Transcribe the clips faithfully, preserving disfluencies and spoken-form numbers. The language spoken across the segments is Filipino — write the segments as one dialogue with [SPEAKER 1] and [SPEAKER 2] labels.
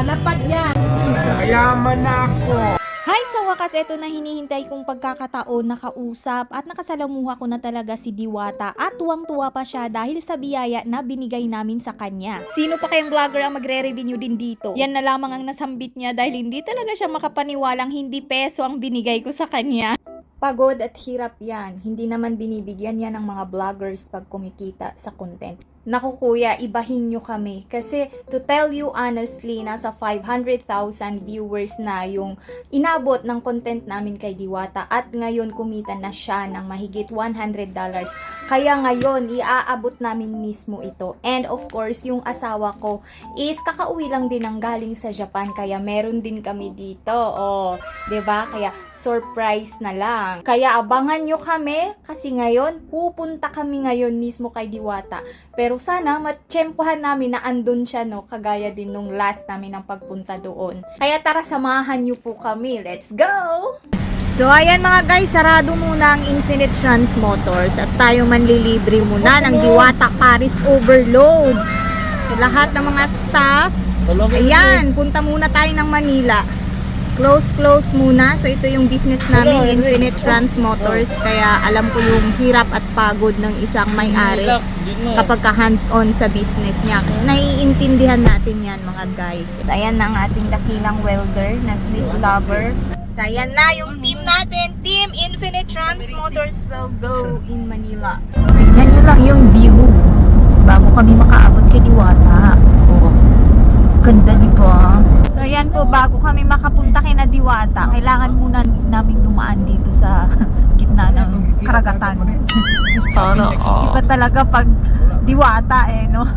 [SPEAKER 1] lapad yan. Mayaman na ako.
[SPEAKER 2] Hi! Sa wakas, eto na hinihintay kong pagkakataon nakausap at nakasalamuha ko na talaga si Diwata at tuwang-tuwa pa siya dahil sa biyaya na binigay namin sa kanya. Sino pa kayang vlogger ang magre-revenue din dito? Yan na lamang ang nasambit niya dahil hindi talaga siya makapaniwalang hindi peso ang binigay ko sa kanya. Pagod at hirap yan. Hindi naman binibigyan yan ng mga vloggers pag kumikita sa content. Naku kuya, ibahin nyo kami. Kasi to tell you honestly, nasa five hundred thousand viewers na yung inabot ng content namin kay Diwata. At ngayon kumita na siya ng mahigit one hundred dollars. Kaya ngayon, iaabot namin mismo ito. And of course, yung asawa ko is kakauwi lang din ang galing sa Japan. Kaya meron din kami dito. Oh, 'di ba? Kaya surprise na lang. Kaya abangan nyo kami kasi ngayon, pupunta kami ngayon mismo kay Diwata. Pero sana matsyempohan namin na andun siya, no? Kagaya din nung last namin ng pagpunta doon. Kaya tara, samahan nyo po kami. Let's go! So ayan mga guys, sarado muna ang Infinite Trans Motors at tayo manlilibre muna ng Diwata Paris Overload. So lahat ng mga staff, ayan, punta muna tayo ng Manila. Close, close muna. So, ito yung business namin, Infinite Trans Motors. Kaya, alam ko yung hirap at pagod ng isang may-ari kapag ka hands-on sa business niya. Naiintindihan natin yan, mga guys. So, ayan na ang ating dakilang welder na sweet lover. So, ayan na yung team natin. Team Infinite Trans Motors will go in Manila. Tingnan nyo lang yung view bago kami makaabot kay Diwata. Oh, ganda, di ba? So, ayan po, bago kami makapunta kay na Diwata, kailangan muna namin dumaan dito sa gitna ng karagatan. Sana all. Iba talaga pag Diwata eh, no?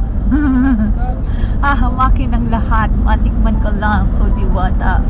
[SPEAKER 2] Hahamakin ang lahat. Matikman ka lang, o Diwata.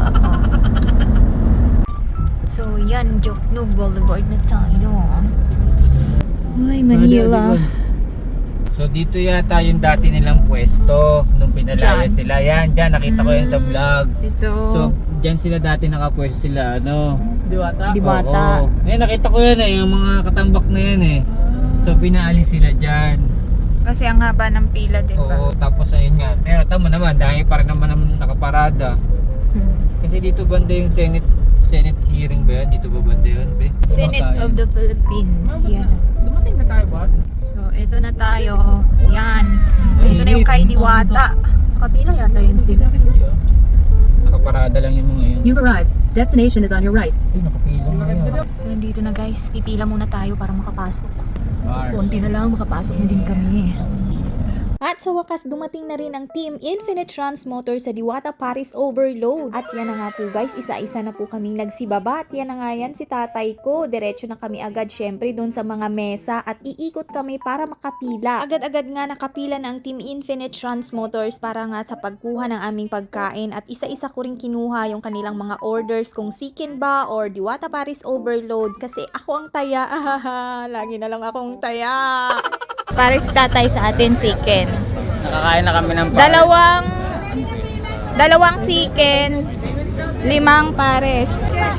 [SPEAKER 2] So, yan, Jokno Boulevard na tayo. Ay, Manila.
[SPEAKER 3] So dito yata yung dati nilang pwesto nung pinalaya
[SPEAKER 2] Diyan.
[SPEAKER 3] sila. Yan, dyan nakita ko yan sa vlog.
[SPEAKER 2] Ito.
[SPEAKER 3] So dyan sila dati nakapwesto sila, ano? Diwata.
[SPEAKER 2] Diwata.
[SPEAKER 3] Oo. Ngayon nakita ko yan eh, yung mga katambak na yan eh. So pinaalis sila dyan.
[SPEAKER 2] Kasi ang haba ng pila, diba?
[SPEAKER 3] Oo, tapos ayun nga. Pero tama naman, dahil pa rin naman naman nakaparada.
[SPEAKER 2] Hmm.
[SPEAKER 3] Kasi dito banda yung Senate Senate hearing ba yan? Dito ba banda yun, be?
[SPEAKER 2] Senate of the Philippines. Yan.
[SPEAKER 3] Dumating na tayo ba?
[SPEAKER 2] So, ito na tayo. Yan. Ito na yung kay Diwata. Kapila yata yun sila.
[SPEAKER 3] Nakaparada lang yung mga yun.
[SPEAKER 4] You've arrived. Destination is on your right.
[SPEAKER 3] Ay, nakapila na yun.
[SPEAKER 2] So, nandito na guys. Pipila muna tayo para makapasok.
[SPEAKER 3] Bars.
[SPEAKER 2] Konti na lang, makapasok na din kami. At sa wakas, dumating na rin ang Team Infinite Trans Motors sa Diwata Paris Overload. At yan na nga po guys, isa-isa na po kaming nagsibaba. At yan na nga yan si tatay ko. Diretso na kami agad syempre doon sa mga mesa at iikot kami para makapila. Agad-agad nga nakapila na ang Team Infinite Trans Motors para nga sa pagkuha ng aming pagkain. At isa-isa ko rin kinuha yung kanilang mga orders kung Sikin ba or Diwata Paris Overload. Kasi ako ang taya. Lagi na lang akong taya. Pares tatay sa atin chicken.
[SPEAKER 3] Nakakain na kami ng pares.
[SPEAKER 2] Dalawang dalawang chicken, limang pares.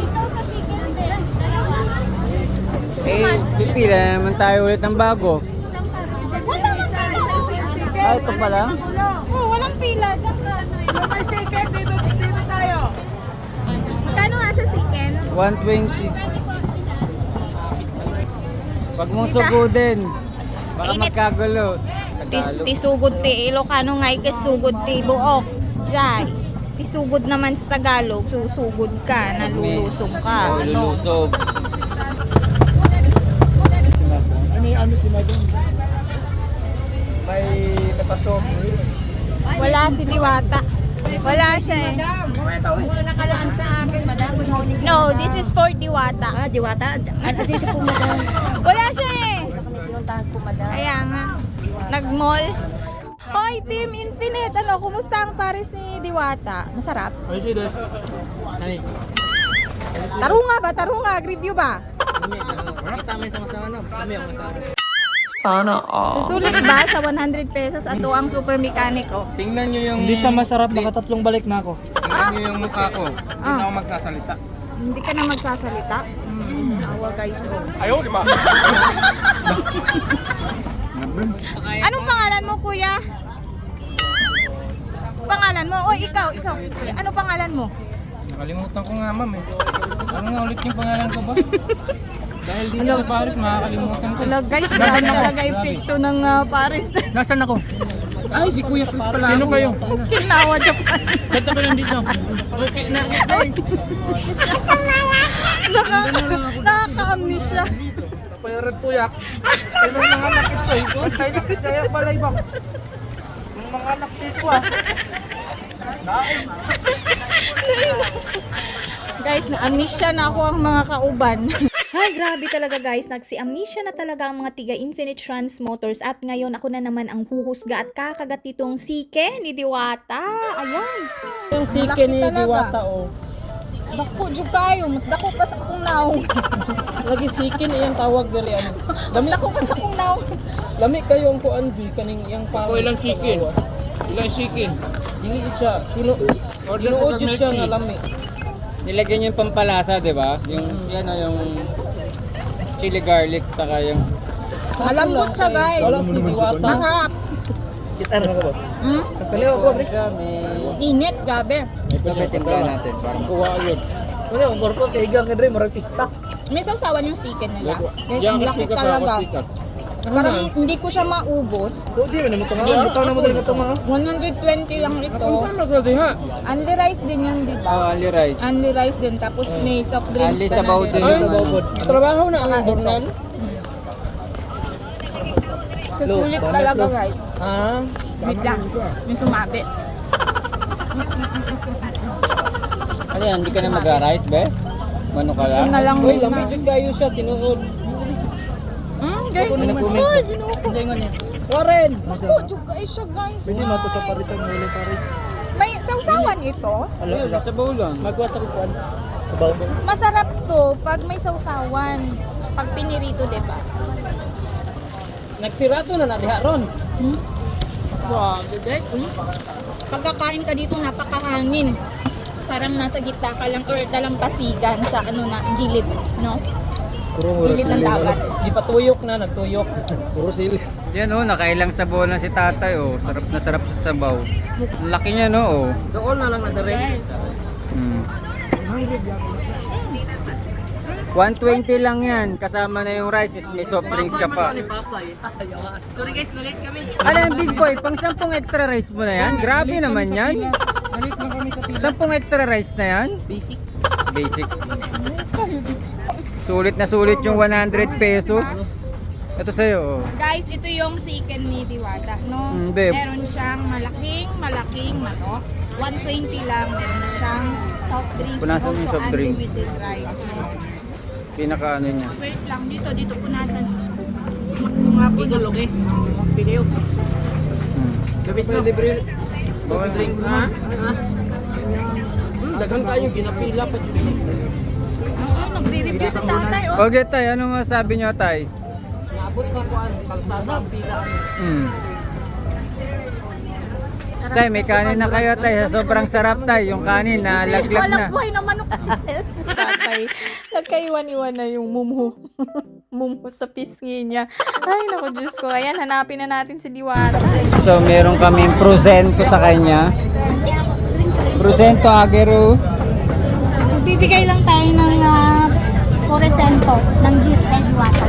[SPEAKER 3] Eh, pipila naman tayo ulit ng bago. Ah, ito pa lang?
[SPEAKER 2] Oh, walang pila. May chicken dito, dito tayo. Magkano nga sa chicken?
[SPEAKER 3] one twenty. Pag mong sugudin, baka
[SPEAKER 2] Init.
[SPEAKER 3] magkagulo.
[SPEAKER 2] Tis,
[SPEAKER 3] Tagalog.
[SPEAKER 2] tisugod ti Ilocano nga ikasugod ti buok. Jay. Tisugod naman sa Tagalog, susugod ka, nalulusong ka.
[SPEAKER 3] Oh,
[SPEAKER 2] Ano?
[SPEAKER 3] lulusog.
[SPEAKER 1] Ano yung ano si Madong? May napasok.
[SPEAKER 2] Wala si Diwata. Wala siya eh. No, this is for Diwata.
[SPEAKER 4] Ah, Diwata. Ano dito po, madam?
[SPEAKER 2] Wala siya eh.
[SPEAKER 4] Pinuntahan po, madam.
[SPEAKER 2] Kaya nga. Nag-mall. Hoy, Team Infinite. Ano, kumusta ang Paris ni Diwata? Masarap?
[SPEAKER 3] Ay, sidos. Ay,
[SPEAKER 2] Tarunga ba? Tarunga. Review ba?
[SPEAKER 3] kita mo sa kasama na. Kami ang kasama.
[SPEAKER 4] Sana all.
[SPEAKER 2] Sulit ba sa one hundred pesos at ang super mechanic oh?
[SPEAKER 3] Tingnan nyo yung...
[SPEAKER 1] Hindi siya masarap, nakatatlong balik na ako.
[SPEAKER 3] Tingnan nyo yung mukha ko. Hindi
[SPEAKER 2] Ah.
[SPEAKER 3] na ako magsasalita.
[SPEAKER 2] Hindi ka na magsasalita? Mm, awa guys oh.
[SPEAKER 1] Ayaw, di ba?
[SPEAKER 2] Anong pangalan mo kuya? pangalan mo? Oy, ikaw, ikaw. Ano pangalan mo?
[SPEAKER 3] Nakalimutan ko nga, ma'am eh. Ano nga ulit yung pangalan ko ba? Dahil dito sa Paris, makakalimutan ko.
[SPEAKER 2] Hello guys, grabe talaga epekto ng uh, Paris.
[SPEAKER 3] Nasaan ako? Ay, si Kuya Chris pala. Sino kayo?
[SPEAKER 2] Okinawa, Japan.
[SPEAKER 3] Ba't ako nandito? Okay na.
[SPEAKER 2] Nakaka nakaka-amnesia.
[SPEAKER 1] Payaran tuyak. Ay, mga anak ito eh. Ay, nakikaya pala ibang. Mga anak ito ah.
[SPEAKER 2] Guys, na-amnesia na ako ang mga kauban. Ay, grabe talaga guys. Nagsi-amnesia na talaga ang mga tiga Infinite Trans Motors at ngayon ako na naman ang huhusga at kakagat nitong sike ni Diwata. Ayan.
[SPEAKER 1] Yung sike ni Diwata oh.
[SPEAKER 2] Dako, jud kayo. Mas dako pa sa akong naong.
[SPEAKER 1] Lagi sikin iyang tawag dali ano.
[SPEAKER 2] Mas dako pa sa akong naong.
[SPEAKER 1] Lami kayo ang kuan di kaning iyang pa.
[SPEAKER 3] Ako ilang chicken? Ilang chicken?
[SPEAKER 1] Dili siya. Tino Tinuod jud siya nga lami.
[SPEAKER 3] Nilagyan niyo yung pampalasa, di ba? Yung, yan o, yung chili garlic, saka yung...
[SPEAKER 2] Malambot siya guys.
[SPEAKER 1] Wala si Diwata.
[SPEAKER 2] Masarap.
[SPEAKER 1] Kita na ka ba?
[SPEAKER 2] Hmm?
[SPEAKER 1] Kaliwa ko bro.
[SPEAKER 3] Siya, may...
[SPEAKER 2] Init, grabe.
[SPEAKER 3] May timpla natin para mas...
[SPEAKER 1] Kuha yun. Wala ang gorko kay gang kadre marag pista.
[SPEAKER 2] May sausawan yung sticker nila. Guys,
[SPEAKER 3] Yan,
[SPEAKER 2] ang laki
[SPEAKER 3] sikat
[SPEAKER 2] talaga.
[SPEAKER 3] ako, sikat.
[SPEAKER 2] Parang hindi ko siya maubos.
[SPEAKER 1] Do di man mo tanga. Bitaw na mo dali ka mga.
[SPEAKER 2] one hundred twenty lang ito.
[SPEAKER 3] Ano ka di ha?
[SPEAKER 2] Only rice din yun, di
[SPEAKER 3] Oh,
[SPEAKER 2] ba?
[SPEAKER 3] only rice.
[SPEAKER 2] Only rice din. Tapos may soft drinks
[SPEAKER 3] Only
[SPEAKER 2] ka
[SPEAKER 3] sa
[SPEAKER 2] na
[SPEAKER 3] baw
[SPEAKER 2] din.
[SPEAKER 3] din
[SPEAKER 1] Ay,
[SPEAKER 3] yung ano.
[SPEAKER 1] bawod. Trabaho na ang hornal.
[SPEAKER 2] Susulit talaga guys.
[SPEAKER 1] Ah.
[SPEAKER 2] Wait lang. May sumabi.
[SPEAKER 3] Ano yan, hindi ka na mag-rice, be? Mano ka lang?
[SPEAKER 2] Yun na lang
[SPEAKER 1] Uy,
[SPEAKER 2] muna.
[SPEAKER 1] lami jud kayo siya tinuod.
[SPEAKER 2] Hmm, guys.
[SPEAKER 1] Ako na nag-comment.
[SPEAKER 2] Ay, ginuha ko. Ganyan niya.
[SPEAKER 1] Warren.
[SPEAKER 2] Ako, jug kayo siya guys.
[SPEAKER 1] Pwede mato sa Paris ang huli Paris.
[SPEAKER 2] May sausawan ito.
[SPEAKER 1] Ala, ala.
[SPEAKER 3] Sa bowl lang.
[SPEAKER 1] Magwa sa kuan. Sabaw mo.
[SPEAKER 2] Mas masarap to pag may sausawan. Pag pinirito, di ba?
[SPEAKER 1] Nagsirato na na diha ron.
[SPEAKER 2] Grabe guys. Hmm? Pagkakain ka dito, napakahangin. Parang nasa gitna ka lang or dalampasigan sa ano na gilid, no?
[SPEAKER 1] Puro
[SPEAKER 2] Gilid ng dagat.
[SPEAKER 1] Di pa tuyok na, nagtuyok. Puro sili.
[SPEAKER 3] Yan oh, nakailang sabaw na si tatay oh. Sarap na sarap sa sabaw. Ang laki niya no oh.
[SPEAKER 1] Doon na lang nadare.
[SPEAKER 3] Hmm. one twenty lang yan. Kasama na yung rice. May soft drinks ka pa.
[SPEAKER 1] Sorry guys, nalit kami.
[SPEAKER 3] Ano yung big boy? Pang sampung extra rice mo na yan? Grabe naman yan.
[SPEAKER 1] Nalit lang kami sa pila.
[SPEAKER 3] Sampung extra rice na yan?
[SPEAKER 1] Basic.
[SPEAKER 3] Basic. Sulit na sulit yung one hundred pesos. Ito sa'yo oh.
[SPEAKER 2] Guys, ito yung chicken ni Diwata, no?
[SPEAKER 3] Mm, babe.
[SPEAKER 2] Meron siyang malaking, malaking manok. one twenty lang. Meron siyang soft drinks.
[SPEAKER 3] Punasan mo yung
[SPEAKER 2] also
[SPEAKER 3] soft drink.
[SPEAKER 2] unlimited rice.
[SPEAKER 3] Pinaka ano niya.
[SPEAKER 2] Wait lang, dito, dito punasan. Kung nga po dulog eh. Video.
[SPEAKER 3] Hmm.
[SPEAKER 1] Gabis na. Libre.
[SPEAKER 3] Soft
[SPEAKER 1] Drinks ha? Ha? Hmm, daghang kayo ginapila pa jud.
[SPEAKER 2] Oo, nagre-review si tatay, oh.
[SPEAKER 3] Okay tay, ano masabi niyo tay?
[SPEAKER 1] Naabot sa kuan, kalsada ang pila.
[SPEAKER 3] Hmm. Tay, may kanin na kayo tay. Sobrang sarap tay. Yung kanin na laglag na.
[SPEAKER 2] Walang buhay na manok. Tatay, nagkaiwan-iwan na yung mumu. Mumu sa pisngi niya. Ay, naku, Diyos ko. Ayan, hanapin na natin si Diwata.
[SPEAKER 3] So, meron kaming prosento sa kanya. Prosento agero.
[SPEAKER 2] Bibigay lang tayo ng uh, Foresento ng gift kay Diwata.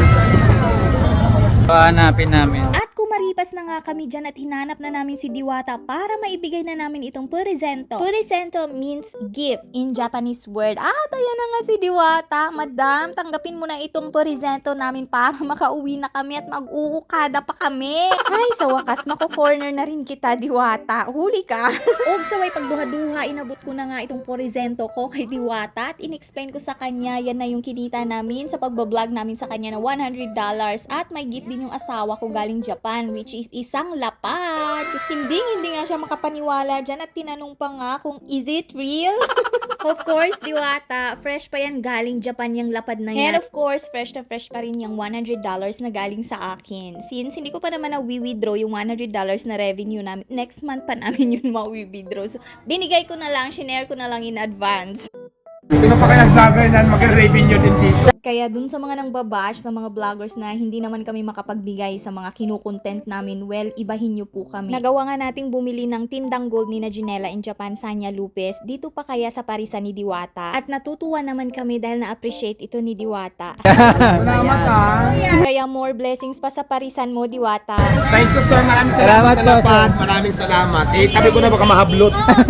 [SPEAKER 3] Pahanapin namin.
[SPEAKER 2] At kumaripas na nga kami dyan at hinanap na namin si Diwata para maibigay na namin itong Purisento. Purisento means gift in Japanese word. At ayan na nga si Diwata. Madam, tanggapin mo na itong Purisento namin para makauwi na kami at mag-uukada pa kami. Ay, sa wakas, mako-corner na rin kita, Diwata. Huli ka. Og saway pagduha-duha, inabot ko na nga itong Purisento ko kay Diwata at in-explain ko sa kanya, yan na yung kinita namin sa pagbablog namin sa kanya na one hundred dollars at may gift din yung asawa ko galing Japan, which is isang lapad. Hindi, hindi nga siya makapaniwala dyan at tinanong pa nga kung is it real? Of course, Diwata, fresh pa yan galing Japan yung lapad na yan. And of course, fresh na fresh pa rin yung one hundred dollars na galing sa akin. Since hindi ko pa naman na withdraw yung one hundred dollars na revenue namin, next month pa namin yun ma-withdraw. So, binigay ko na lang, shinare ko na lang in advance.
[SPEAKER 5] Sino pa kaya vlogger na mag-revenue din dito?
[SPEAKER 2] Kaya dun sa mga nang babash, sa mga vloggers na hindi naman kami makapagbigay sa mga kinukontent namin, well, ibahin nyo po kami. Nagawa nga nating bumili ng tindang gold ni na Ginela in Japan, Sanya Lupes, dito pa kaya sa parisan ni Diwata. At natutuwa naman kami dahil na-appreciate ito ni Diwata.
[SPEAKER 5] Salamat ha.
[SPEAKER 2] Kaya more blessings pa sa parisan mo, Diwata.
[SPEAKER 5] Thank you sir. Maraming
[SPEAKER 3] Salamat
[SPEAKER 5] salamat, sa
[SPEAKER 3] po,
[SPEAKER 5] lapad. Maraming salamat. Eh, tabi ko na baka mahablot.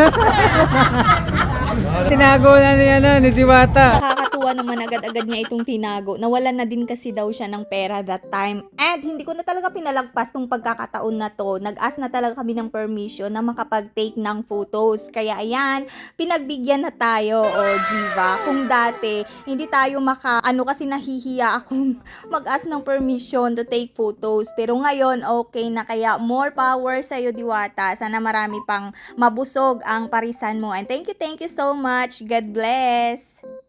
[SPEAKER 3] Tinago na ni, ano, ni Diwata.
[SPEAKER 2] Nakakatuwa naman agad-agad niya itong tinago. Nawalan na din kasi daw siya ng pera that time. And hindi ko na talaga pinalagpas tong pagkakataon na to. Nag-ask na talaga kami ng permission na makapag-take ng photos. Kaya ayan, pinagbigyan na tayo, o Jiva. Kung dati, hindi tayo maka, ano kasi nahihiya akong mag-ask ng permission to take photos. Pero ngayon, okay na. Kaya more power sa'yo, Diwata. Sana marami pang mabusog ang parisan mo. And thank you, thank you so much. God bless.